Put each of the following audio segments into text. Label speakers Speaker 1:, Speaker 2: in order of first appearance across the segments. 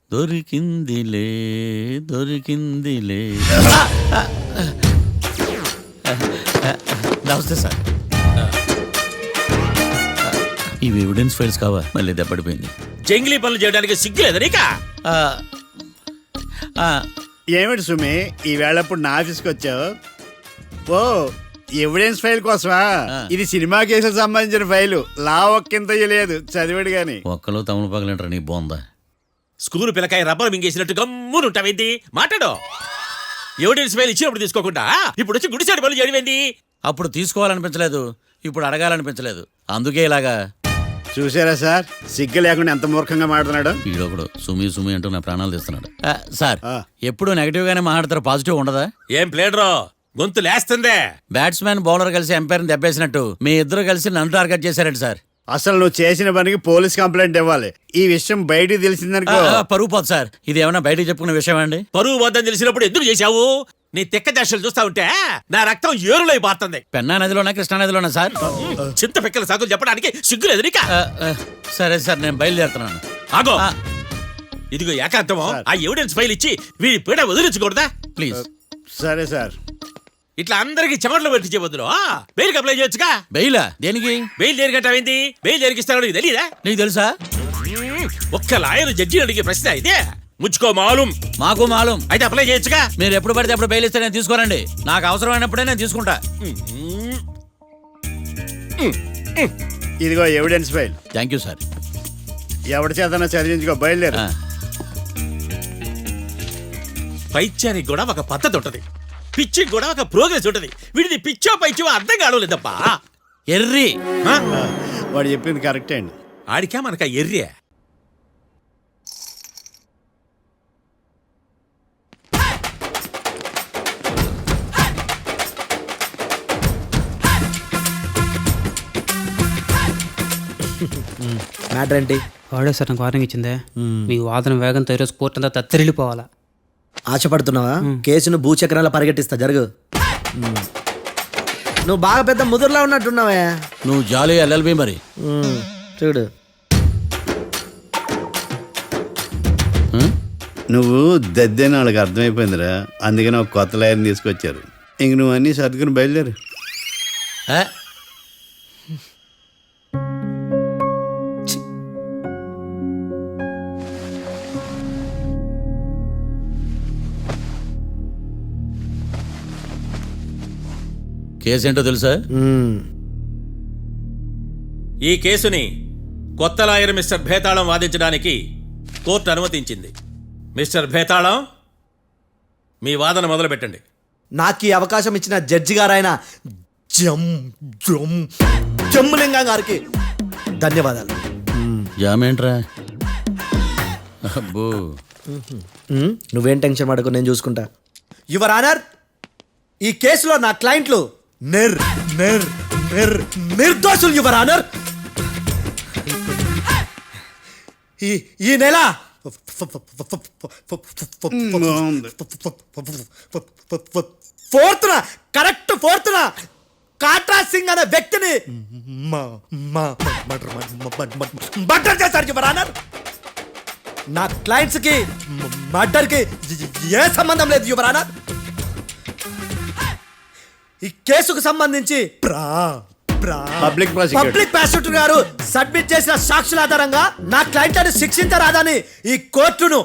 Speaker 1: దొరికిందిలే దొరికిందిలే. నమస్తే సార్. ఇవి evidence files కావా? మళ్ళీ దెబ్బడిపోయింది.
Speaker 2: జంగిలీ పనులు చేయడానికి సిగ్గులేదు నీకా?
Speaker 3: ఏమిటి సుమి ఈ వేళప్పుడు నా ఆఫీస్కి వచ్చావు? ఓ ఎవిడెన్స్ ఫైల్ కోసమా? ఇది సినిమా కేసులకు సంబంధించిన ఫైలు. లా ఒక్కింత లేదు, చదివాడు గాని.
Speaker 1: ఒక్కలో తమను పగలంటారు నీ బోందా.
Speaker 2: School పిల్లకాయ rubber మింగేసినట్టు గమ్మునుంటావేంది? మాట్లాడు. ఎవిడెన్స్ ఫైల్ ఇచ్చినప్పుడు తీసుకోకుండా ఇప్పుడు వచ్చి గుడిసాడు పనులు చేయడమేంది?
Speaker 1: అప్పుడు తీసుకోవాలనిపించలేదు, ఇప్పుడు అడగాలనిపించలేదు, అందుకే ఇలాగా.
Speaker 3: చూసారా సార్, సిగ్గు లేకుండా ఎంత మూర్ఖంగా మాట్లాడుతున్నాడు.
Speaker 1: ఈడొకడు సుమి సుమి అంటూ నా ప్రాణాలు తీస్తున్నాడు. సార్, ఎప్పుడు నెగటివ్ గానే మాట్లాడతారు, పాజిటివ్ ఉండదా?
Speaker 2: ఏం ప్లేడరో గొంతు లేస్తుందే.
Speaker 1: బ్యాట్స్మెన్ బౌలర్ కలిసి ఎంపైర్ని దెబ్బేసినట్టు మీ ఇద్దరు కలిసి నన్ను టార్గెట్ చేశారండి సార్.
Speaker 3: అసలు నువ్వు చేసిన పనికి పోలీస్ కంప్లైంట్ ఇవ్వాలి. ఈ విషయం బయటికి తెలిసిందనుకో
Speaker 1: పరువు పోదు సార్. ఇది ఏమన్నా బయటకు చెప్పుకునే విషయం అండి?
Speaker 2: పరువు వద్దని తెలిసినప్పుడు ఎందుకు చేశావు? నీ తెక్క దశలు చూస్తా ఉంటే నా రక్తం ఏరులై పారుతుంది.
Speaker 1: పెన్నా నదిలోనా కృష్ణా నదిలోనా సార్?
Speaker 2: చింత పిక్కల సాకులు చెప్పడానికి సిగ్గులేదు నీకా?
Speaker 1: సరే సార్, నేను బయలుదేరుతున్నాను.
Speaker 2: ఆగో, ఇదిగో ఏకాంతమో ఆ ఎవిడెన్స్ ఫైల్ ఇచ్చి వీడి పీడ వదిలించకూడదా?
Speaker 1: ప్లీజ్.
Speaker 3: సరే సార్.
Speaker 2: ఇట్లా అందరికి చెమటలు పెట్టించే బదులు బెయిల్ అప్లై చేయొచ్చుగా.
Speaker 1: బెయిలా? దేనికి?
Speaker 2: బెయిల్ దేనికంటావేంది? బెయిల్ దేనికిస్తాడో నీకు తెలీదా?
Speaker 1: నీకు తెలుసా?
Speaker 2: ఒక్క లాయర్ జడ్జి అడిగే ప్రశ్న ఇదే. ముచ్చుకో మాలూం.
Speaker 1: మాకు మాలూం.
Speaker 2: అయితే అప్లై చేయొచ్చుగా.
Speaker 1: మీరు ఎప్పుడు పడితే అప్పుడు బెయిల్ ఇస్తే నేను తీసుకోనండి. నాకు అవసరమైనప్పుడే నేను తీసుకుంటా.
Speaker 3: ఇదిగో evidence file.
Speaker 1: Thank you sir.
Speaker 3: ఎవరి చేతనా చదివించుకో, బయలుదేరు.
Speaker 2: పైత్యానికి కూడా ఒక పద్ధతి ఉంటది, పిచ్చికి కూడా ఒక ప్రోగ్రెస్ ఉంటది. వీడిది పిచ్చో పైచో అర్థం కావలేదప్పా.
Speaker 1: ఎర్రి.
Speaker 3: వాడు చెప్పింది కరెక్టే అండి.
Speaker 2: ఆడికా మనక ఎర్రే.
Speaker 4: మ్యాటర్ ఏంటి?
Speaker 5: వాడే సార్ నాకు వార్నింగ్ ఇచ్చిందే. మీ వాదన వేగంతో ఈరోజు కోర్టు అంతా తత్తరిల్లిపోవాలా.
Speaker 4: ఆశపడుతున్నావా? కేసును భూచక్రాల పరిగెట్టిస్తా, జరుగు. నువ్వు బాగా పెద్ద ముదురులా ఉన్నట్టున్నావే.
Speaker 1: నువ్వు జాలి ఎల్ఎల్బి మరి.
Speaker 4: చూడు,
Speaker 3: నువ్వు దద్దేని వాళ్ళకి అర్థమైపోయిందిరా. అందుకని ఒక కొత్త లాయర్ని తీసుకొచ్చారు. ఇంక నువ్వు అన్నీ సర్దుకుని బయలుదేరు.
Speaker 1: కేసు ఏంటో తెలుసా?
Speaker 2: ఈ కేసుని కొత్త లాయర్ మిస్టర్ భేతాళం వాదించడానికి కోర్టు అనుమతించింది. మిస్టర్ భేతాళం, మీ వాదన మొదలు పెట్టండి.
Speaker 4: నాకు ఈ అవకాశం ఇచ్చిన జడ్జి గారైన జమ్ములింగం గారికి ధన్యవాదాలు.
Speaker 1: జామేంట్రా? అబ్బో,
Speaker 4: నువ్వేం టెన్షన్ పడకు, నేను చూసుకుంటా. యువర్ ఆనర్, ఈ కేసులో నా క్లయింట్లు నిర్దోషులు యువర్ ఆనర్. ఈ నెల 4th correct 4th Katra Singh అనే వ్యక్తిని మర్డర్ చేశారు యువర్ ఆనర్. నా క్లయింట్స్ కి మర్డర్ కి ఏ సంబంధం లేదు యువర్ ఆనర్. ఈ కేసుకు సంబంధించి
Speaker 3: పబ్లిక్
Speaker 4: ప్రాసిక్యూటర్ గారు సబ్మిట్ చేసిన సాక్షుల ఆధారంగా నా క్లయింట్లను శిక్షించరాదని ఈ కోర్టును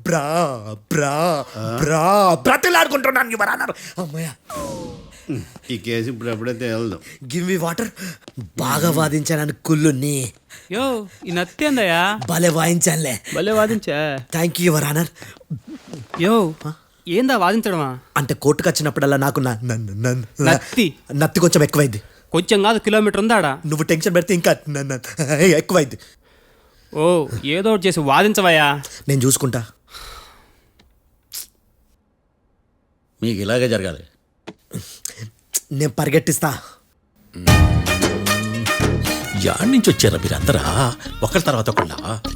Speaker 4: బ్రతిలాడుకుంటున్నాను యువర్ ఆనర్. అమ్మయ్య,
Speaker 3: ఈ కేసు ఇప్పుడు ఎప్పుడైతే వెళ్దాం.
Speaker 4: Give me water. బాగా వాదించానని కుళ్ళుని.
Speaker 5: యో, ఈ నత్తేందయ్యా?
Speaker 4: భలే వాయించానులే.
Speaker 5: భలే వాదించా.
Speaker 4: Thank you your honour.
Speaker 5: Yo, ఏందా వాదించడమా?
Speaker 4: అంటే కోర్టుకు వచ్చినప్పుడల్లా నాకు నత్తి కొంచెం ఎక్కువైంది.
Speaker 5: కొంచెం కాదు, కిలోమీటర్ ఉందాడా.
Speaker 4: నువ్వు టెన్షన్ పెడితే ఇంకా ఎక్కువైంది.
Speaker 5: ఓ, ఏదో ఒకటి చేసి వాదించవయ్యా.
Speaker 4: నేను చూసుకుంటా.
Speaker 1: మీకు ఇలాగే జరగాలి.
Speaker 4: నేను పరిగెట్టిస్తా.
Speaker 2: యాడ్ నుంచి వచ్చారా మీరందరా ఒకరి తర్వాత ఒకళ్ళ?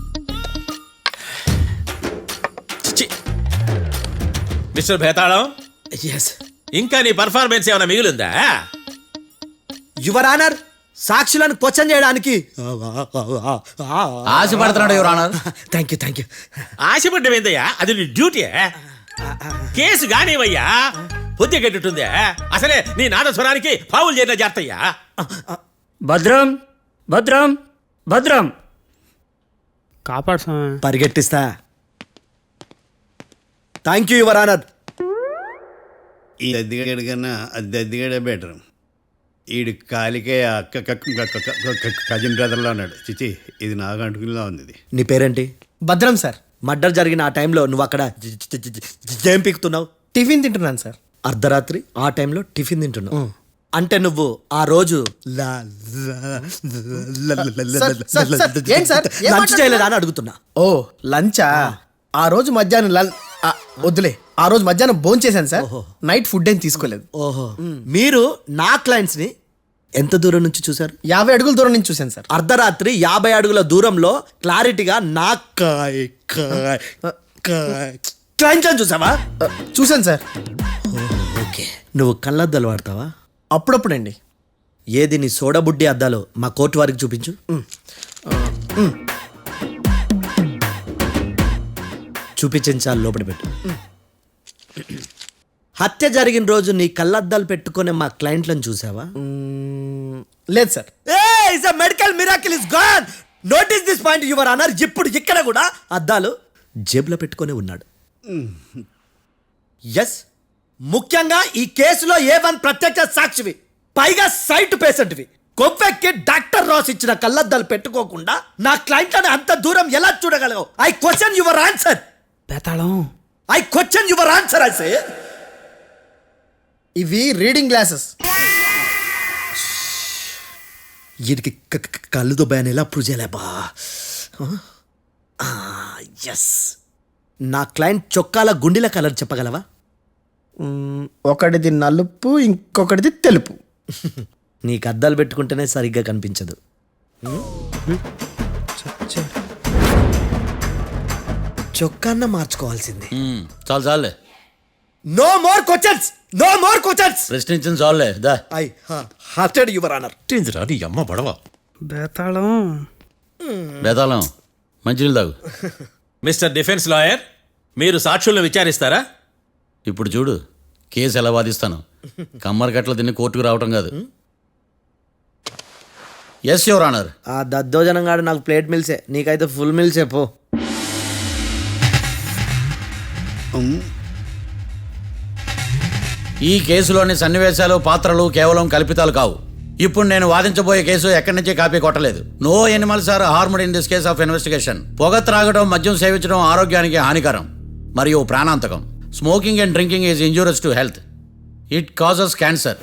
Speaker 2: Mister Bhetalam,
Speaker 4: yes.
Speaker 2: ఇంకా నీ పర్ఫార్మెన్స్ ఏమైనా మిగిలిందా?
Speaker 4: యువర్ ఆనర్, సాక్షులను క్వశ్చన్ చేయడానికి
Speaker 1: ఆశపడుతున్నాడు యువర్ ఆనర్.
Speaker 4: థ్యాంక్ యూ
Speaker 2: ఆశపడ్డం ఏందయ్యా, అది నీ డ్యూటీ. కేసు కానివయ్యా, బుద్ధి గట్టుందే. అసలే నీ నాదస్వరానికి పావులు చేరిన జాతయ్యా.
Speaker 6: భద్రం భద్రం భద్రం.
Speaker 5: కాపాడు స్వామి.
Speaker 4: పరిగెట్టిస్తా. Thank you your honour.
Speaker 3: ఈ అద్దెగడి కన్నా అద్దెగడే బెటర్. ఈడు కాలికే కజిన్ బ్రదర్లో ఉన్నాడు. చిచి, ఇది నాకు అంటుకునిలా ఉంది. ఇది
Speaker 4: నీ పేరేంటి?
Speaker 6: భద్రం సార్.
Speaker 4: మర్డర్ జరిగిన ఆ టైంలో నువ్వు అక్కడ ఏం పీకుతున్నావు?
Speaker 6: టిఫిన్ తింటున్నాను సార్.
Speaker 4: అర్ధరాత్రి ఆ టైంలో టిఫిన్ తింటున్నావు అంటే నువ్వు ఆ రోజు
Speaker 6: ఏంటి సార్? ఏం
Speaker 4: లంచ్ చేయలేదా అని అడుగుతున్నా.
Speaker 6: ఓ లంచా? ఆ రోజు మధ్యాహ్నం వద్దులే, ఆ రోజు మధ్యాహ్నం భోజనం చేశాను సార్. నైట్ ఫుడ్ ఏం తీసుకోలేదు.
Speaker 4: ఓహో, మీరు నా క్లయింట్స్ ని ఎంత దూరం నుంచి చూసారు?
Speaker 6: 50 అడుగుల దూరం నుంచి చూశాను సార్.
Speaker 4: అర్ధరాత్రి 50 అడుగుల దూరంలో క్లారిటీగా నా క్లయింట్స్ చూసావా?
Speaker 6: చూశాను సార్.
Speaker 4: ఓకే, నువ్వు కళ్ళద్దాలు వాడతావా?
Speaker 6: అప్పుడప్పుడండి.
Speaker 4: ఏది నీ సోడబుడ్డి అద్దాలు మా కోర్టు వారికి చూపించు. చూపించాలి, లోపల పెట్టు. హత్య జరిగిన రోజు నీ కళ్ళద్దాలు పెట్టుకునే మా క్లయింట్లను చూసావా?
Speaker 6: లేదు sir.
Speaker 4: Medical miracle is gone. Notice this point your honour. ఇప్పుడు ఇక్కడ కూడా అద్దాలు జేబులో పెట్టుకొని ఉన్నాడు. ఎస్, ముఖ్యంగా ఈ కేసులో A1 ప్రత్యక్ష సాక్షివి, పైగా సైట్ పేషెంట్వి. కొవ్వెక్కి డాక్టర్ రాస్ ఇచ్చిన కళ్ళద్దాలు పెట్టుకోకుండా నా క్లయింట్లను అంత దూరం ఎలా చూడగలవు? I question your answer.
Speaker 5: Betalam.
Speaker 4: I question your answer. I say
Speaker 6: ఇవి రీడింగ్ గ్లాసెస్.
Speaker 4: వీడికి కళ్ళు దుబ్బాయని ఎలా ప్రూవ్ చేయలేబా? ఎస్, నా క్లయింట్ చొక్కాల గుండెల కలర్ చెప్పగలవా?
Speaker 6: ఒకటిది నలుపు, ఇంకొకటిది తెలుపు.
Speaker 4: నీకు అద్దాలు పెట్టుకుంటేనే సరిగ్గా కనిపించదు. చొక్కాన్న మార్చుకోవాల్సింది.
Speaker 1: చాలు చాలులే,
Speaker 4: no more questions, no more questions.
Speaker 1: ప్రశ్నించిన చాలులే. దా
Speaker 4: ఐ హార్టెడ్ యువర్ ఆనర్.
Speaker 2: నీ అమ్మ బడవ.
Speaker 5: బేతాళం.
Speaker 1: బేతాళం, మంచినీళ్ళు తాగు.
Speaker 2: మిస్టర్ డిఫెన్స్ లాయర్, మీరు సాక్షులను విచారిస్తారా?
Speaker 1: ఇప్పుడు చూడు కేసు ఎలా వాదిస్తాను. కమ్మరి కట్టలు తిని కోర్టుకు రావటం కాదు. Yes your honour.
Speaker 4: ఆ దద్దోజనంగాడు నాకు ప్లేట్ మిల్సే, నీకైతే ఫుల్ మిల్సే పో.
Speaker 1: ఈ కేసులోని సన్నివేశాలు, పాత్రలు కేవలం కల్పితాలు కావు. ఇప్పుడు నేను వాదించబోయే కేసు ఎక్కడి నుంచి కాపీ కొట్టలేదు. No animals are harmed in this case of investigation. పొగ త్రాగడం, మద్యం సేవించడం ఆరోగ్యానికి హానికరం మరియు ప్రాణాంతకం. Smoking and drinking is injurious to health. It causes cancer.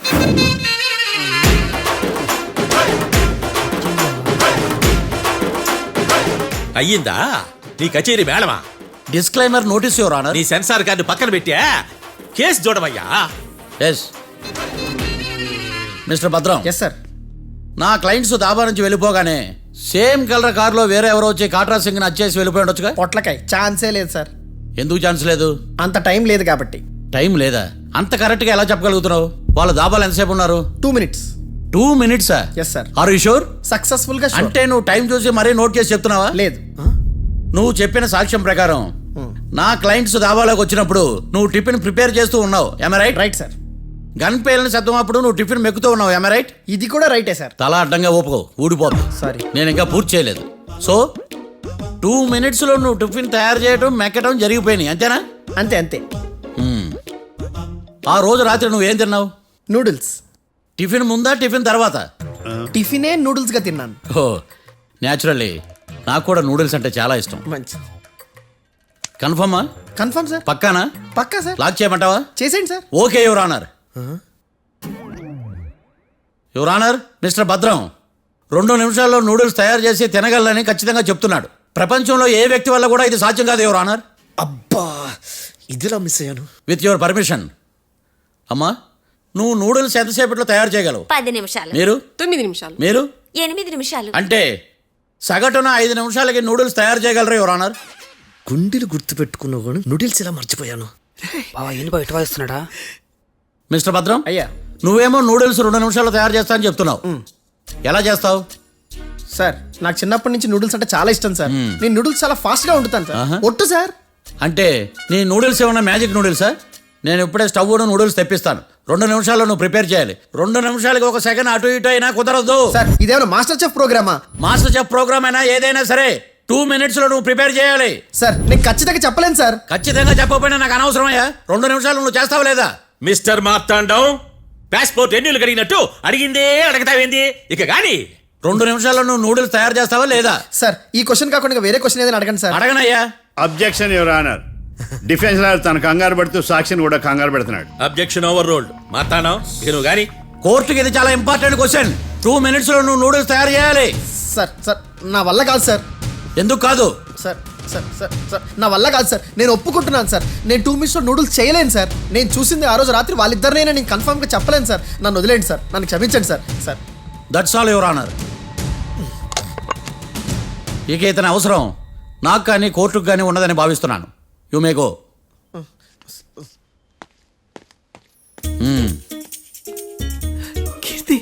Speaker 2: అయ్యిందా నీ కచేరీ మేడమా?
Speaker 1: Disclaimer notice your honour.
Speaker 2: నీ సెన్సార్ కార్డు పక్కన పెట్టా కేసు చూడమయ్యా.
Speaker 1: Yes mister Bhadram.
Speaker 6: Yes sir.
Speaker 1: నా క్లయింట్స్ దాబా నుంచి వెళ్ళిపోగానే సేమ్ కలర్ కారులో వేరే ఎవరో వచ్చి కాట్రా సింగ్ని వచ్చేసి వెళ్ళిపోయి ఉండొచ్చుగా?
Speaker 6: పొట్లకాయ ఛాన్సే లేదు సార్.
Speaker 1: ఎందుకు ఛాన్స్ లేదు?
Speaker 6: అంత టైం లేదు కాబట్టి.
Speaker 1: టైం లేదా? అంత కరెక్ట్గా ఎలా చెప్పగలుగుతున్నావు? వాళ్ళ దాబాలు ఎంతసేపు ఉన్నారు?
Speaker 6: 2 minutes.
Speaker 1: 2 minutes?
Speaker 6: Yes sir.
Speaker 1: Are you sure?
Speaker 6: Successful గా sure.
Speaker 1: అంటే నువ్వు టైం చూసి మరీ నోట్ చేసి చెప్తున్నావా?
Speaker 6: లేదు.
Speaker 1: నువ్వు చెప్పిన సాక్ష్యం ప్రకారం నా క్లయింట్స్ దాబాలోకి వచ్చినప్పుడు నువ్వు టిఫిన్ ప్రిపేర్ చేస్తూ ఉన్నావు. Am right?
Speaker 6: Right sir.
Speaker 1: Gun పేలిన శబ్దం అప్పుడు నువ్వు టిఫిన్ మెక్కుతూ ఉన్నావు. Am right?
Speaker 6: ఇది కూడా రైటే సార్.
Speaker 1: తల అడ్డంగా ఊపుకో, ఊడిపోతుంది.
Speaker 6: సారీ.
Speaker 1: నేను ఇంకా పూర్తి చేయలేదు. సో 2 minutesలో నువ్వు టిఫిన్ తయారు చేయడం, మెక్కడం జరిగిపోయినాయి, అంతేనా?
Speaker 6: అంతే అంతే.
Speaker 1: ఆ రోజు రాత్రి నువ్వేం తిన్నావు?
Speaker 6: నూడిల్స్.
Speaker 1: టిఫిన్ ముందా, టిఫిన్ తర్వాత?
Speaker 6: టిఫినే నూడిల్స్ గా తిన్నాను.
Speaker 1: ఓ న్యాచురల్లీ నాకు కూడా నూడిల్స్ అంటే చాలా ఇష్టం.
Speaker 6: మంచి.
Speaker 1: కన్ఫర్మా?
Speaker 6: Confirm sir.
Speaker 1: పక్కానా?
Speaker 6: పక్కా సార్.
Speaker 1: లాక్ చేయమంటావా?
Speaker 6: చేసేయండి sir.
Speaker 1: Okay your honour. Your honour, mister Bhadram 2 నిమిషాల్లో నూడిల్స్ తయారు చేసి తినగలని ఖచ్చితంగా చెప్తున్నాడు. ప్రపంచంలో ఏ వ్యక్తి వల్ల కూడా ఇది సాధ్యం కాదు యువర్ ఆనర్.
Speaker 4: అబ్బా, ఇదిలా మిస్ అయ్యాను.
Speaker 1: With your permission. అమ్మా, నువ్వు నూడిల్స్ ఎంతసేపట్లో తయారు చేయగలవు?
Speaker 7: 10 నిమిషాలు.
Speaker 1: మీరు?
Speaker 7: 9 నిమిషాలు.
Speaker 1: మీరు?
Speaker 7: 8 నిమిషాలు.
Speaker 1: అంటే సగటున 5 నిమిషాలకి నూడిల్స్ తయారు చేయగలరు యువర్ ఆనర్.
Speaker 4: గుండెలు గుర్తు పెట్టుకున్నావు కానీ నూడిల్స్ ఇలా మర్చిపోయాను.
Speaker 5: బావా ఏంటి బయట వాయిస్తున్నాడా?
Speaker 1: మిస్టర్ భద్రం,
Speaker 6: అయ్యా.
Speaker 1: నువ్వేమో నూడిల్స్ 2 నిమిషాల్లో తయారు చేస్తా అని చెప్తున్నావు. ఎలా చేస్తావు?
Speaker 6: సార్ నాకు చిన్నప్పటి నుంచి నూడిల్స్ అంటే చాలా ఇష్టం సార్. నేను నూడిల్స్ చాలా ఫాస్ట్ గా వండుతాను సార్. ఒట్టు సార్.
Speaker 1: అంటే నీ నూడిల్స్ ఏమన్నా మ్యాజిక్ నూడిల్సా? నేను ఇప్పుడే స్టవ్ నూడిల్స్ తెప్పిస్తాను. 2 నిమిషాల్లో నువ్వు ప్రిపేర్ చేయాలి. 2 నిమిషాలకి 1 సెకండ్ అటు ఇటు అయినా కుదరదు.
Speaker 6: సార్ ఇదేమైనా మాస్టర్ చెఫ్ ప్రోగ్రామా?
Speaker 1: మాస్టర్ చెఫ్ ప్రోగ్రామ్ అయినా ఏదైనా సరే 2 minutes లో నువ్వు ప్రిపేర్ చేయాలి.
Speaker 6: సార్ నేను ఖచ్చితంగా చెప్పలేను సార్.
Speaker 1: ఖచ్చితంగా చెప్పకపోయినా నాకు అనవసరమయ్యా. 2 నిమిషాలు నువ్వు చేస్తావా లేదా?
Speaker 2: మిస్టర్ మార్తాండం, పాస్పోర్ట్ ఎన్నిళ్ళు కడిగినట్టు అడిగిందే అడగతావేంది? ఇక గాని
Speaker 1: 2 నిమిషాల్లో నువ్వు నూడిల్స్ తయారు చేస్తావా లేదా?
Speaker 6: సార్ ఈ క్వశ్చన్ కాకుండా ఇంకా వేరే క్వశ్చన్ ఏదైనా అడగండి సార్.
Speaker 1: అడగనయ్యా.
Speaker 3: Objection your honour. Defence lawyer తన కంగారు పడుతూ సాక్షిని కూడా కంగారు పెడుతున్నాడు.
Speaker 2: Objection over rolled. మార్తాండం, ఇక నువ్వు గాని.
Speaker 1: కోర్టుకి ఇది చాలా ఇంపార్టెంట్ క్వశ్చన్. 2 minutes లో నువ్వు నూడిల్స్ తయారు చేయాలి.
Speaker 6: సార్ సార్ నా వల్ల కాదు సార్.
Speaker 1: ఎందుకు కాదు?
Speaker 6: సార్ సార్ సార్ సార్ నా వల్ల కాదు సార్. నేను ఒప్పుకుంటున్నాను సార్. నేను 2 minutes లో నూడిల్స్ చేయలేను సార్. నేను చూసింది ఆ రోజు రాత్రి వాళ్ళిద్దరినైనా నేను కన్ఫర్మ్ గా చెప్పలేను సార్. నన్ను వదిలేండి సార్. నన్ను క్షమించండి sir. Sir
Speaker 1: that's all your honour. ఇక ఇతని అవసరం నాకు కానీ కోర్టుకు కానీ ఉన్నదని భావిస్తున్నాను. You may go.
Speaker 6: కీర్తి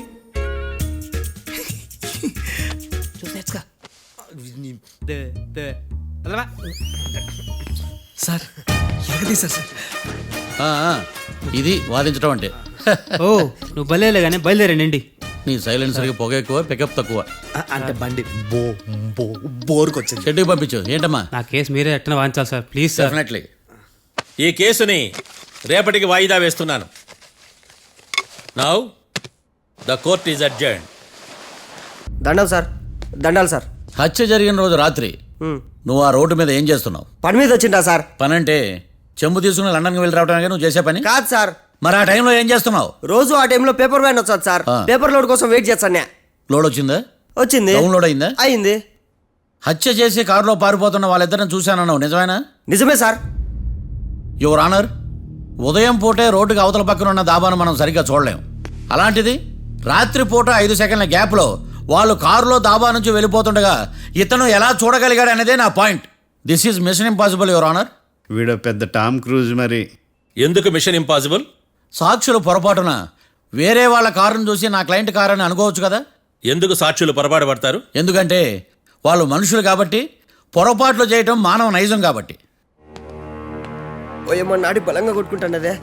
Speaker 6: సార్ ఎరగదీశారు సార్.
Speaker 1: ఇది వాదించడం అంటే.
Speaker 5: ఓ నువ్వు బయలుదేరలే కానీ బయలుదేరండి.
Speaker 1: నీ సైలెన్సర్కి పొగ ఎక్కువ, పికప్ తక్కువ.
Speaker 6: అంటే బండి బోర్కి వచ్చింది.
Speaker 1: షెడ్యూల్ పంపించు. ఏంటమ్మా?
Speaker 5: నా కేసు మీరే ఎట్టన వాయించాలి సార్, ప్లీజ్ సార్.
Speaker 1: డెఫినెట్లీ.
Speaker 2: ఈ కేసుని రేపటికి వాయిదా వేస్తున్నాను. Now the court is adjourned.
Speaker 7: దండం సార్, దండాలు సార్.
Speaker 1: హత్య జరిగిన రోజు రాత్రి నువ్వు ఆ రోడ్డు మీద ఏం చేస్తున్నావు?
Speaker 7: పని మీద వచ్చిందా సార్?
Speaker 1: పని అంటే చెంబు తీసుకుని లండన్కి వెళ్ళి రావడానికి నువ్వు చేసే పని
Speaker 7: కాదు సార్.
Speaker 1: మరి ఆ టైంలో ఏం చేస్తున్నావు?
Speaker 7: రోజు ఆ టైంలో పేపర్ వ్యాన్ వచ్చాది సార్. పేపర్ లోడ్ కోసం వెయిట్ చేస్తాను.
Speaker 1: లోడ్ వచ్చిందా?
Speaker 7: వచ్చింది.
Speaker 1: డౌన్లోడ్ అయిందా?
Speaker 7: అయింది.
Speaker 1: హత్య చేసి కారులో పారిపోతున్న వాళ్ళిద్దరిని చూశానన్నావు, నిజమేనా?
Speaker 7: నిజమే సార్.
Speaker 1: యువర్ ఆనర్, ఉదయం పూటే రోడ్డుకి అవతల పక్కన ఉన్న దాబాను మనం సరిగ్గా చూడలేం. అలాంటిది రాత్రి పూట 5 సెకండ్ల గ్యాప్లో వాళ్ళు కారులో దాబా నుంచి వెళ్ళిపోతుండగా ఇతను ఎలా చూడగలిగాడు అనేదే నా point. This is mission impossible your honour.
Speaker 3: వీడు పెద్ద టామ్ క్రూజ్ మరి.
Speaker 2: ఎందుకు మిషన్ ఇంపాసిబుల్?
Speaker 1: సాక్షులు పొరపాటున వేరే వాళ్ళ కారును చూసి నా క్లయింట్ కారు అని అనుకోవచ్చు కదా.
Speaker 2: ఎందుకు సాక్షులు పొరపాటు పడతారు?
Speaker 1: ఎందుకంటే వాళ్ళు మనుషులు కాబట్టి, పొరపాట్లు చేయటం మానవ నైజం కాబట్టి.
Speaker 7: ఓయమ్మ నాడి బలంగా కొట్టుకుంటానదే.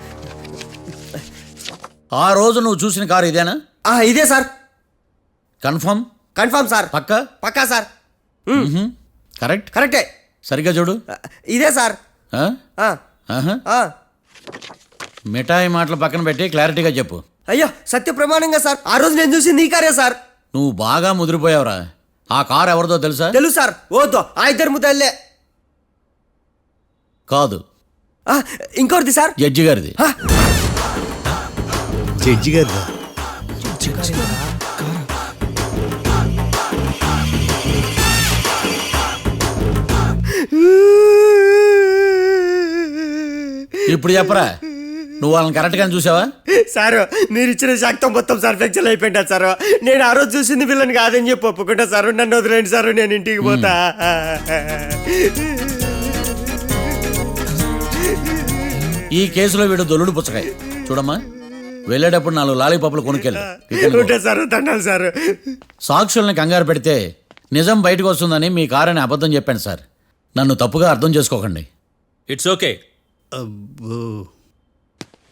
Speaker 1: ఆ రోజు నువ్వు చూసిన కారు ఇదేనా?
Speaker 7: ఇదే సార్.
Speaker 1: కన్ఫర్మ్?
Speaker 7: Confirm sir.
Speaker 1: పక్కా?
Speaker 7: పక్కా సార్.
Speaker 1: కరెక్ట్?
Speaker 7: కరెక్టే.
Speaker 1: సరిగ్గా చూడు.
Speaker 7: ఇదే సార్.
Speaker 1: ఆ?
Speaker 7: ఆ,
Speaker 1: ఆహా.
Speaker 7: ఆ.
Speaker 1: మిఠాయి మాటలు పక్కన పెట్టి క్లారిటీగా చెప్పు.
Speaker 7: అయ్యో సత్య ప్రమాణంగా సార్, ఆ రోజు నేను చూసి నీ కారే సార్.
Speaker 1: నువ్వు బాగా ముదిరిపోయావురా. ఆ కారు ఎవరిదో తెలుసా?
Speaker 7: తెలుసు సార్. ఓతో ఆ ఇద్దరు ముద్దల్లే.
Speaker 1: కాదు,
Speaker 7: ఇంకోటిది సార్.
Speaker 1: జడ్జి గారిది.
Speaker 3: జడ్జి గారు.
Speaker 1: ఇప్పుడు చెప్పరా, నువ్వు వాళ్ళని కరెక్ట్గానే చూసావా?
Speaker 7: సార్ మీరు ఇచ్చిన శాక్తం మొత్తం సార్ ఫ్లెక్చర్ అయిపోయింటా సార్. నేను ఆ రోజు చూసింది వీళ్ళని కాదని చెప్పి ఒప్పుకుంటా సార్. నన్ను వదిలేండి సార్, నేను ఇంటికి పోతా.
Speaker 1: ఈ కేసులో వీడు దొల్లుడు పుచ్చకాయ. చూడమ్మా, వెళ్ళేటప్పుడు 4 లాలీపాపులు కొనుక్కెళ్ళు.
Speaker 7: ఉంటా సార్, దండాలి సార్.
Speaker 1: సాక్షుల్ని కంగారు పెడితే నిజం బయటకు వస్తుందని మీ కారని అబద్ధం చెప్పాను సార్. నన్ను తప్పుగా అర్థం చేసుకోకండి.
Speaker 2: It's okay.
Speaker 3: అబ్బో.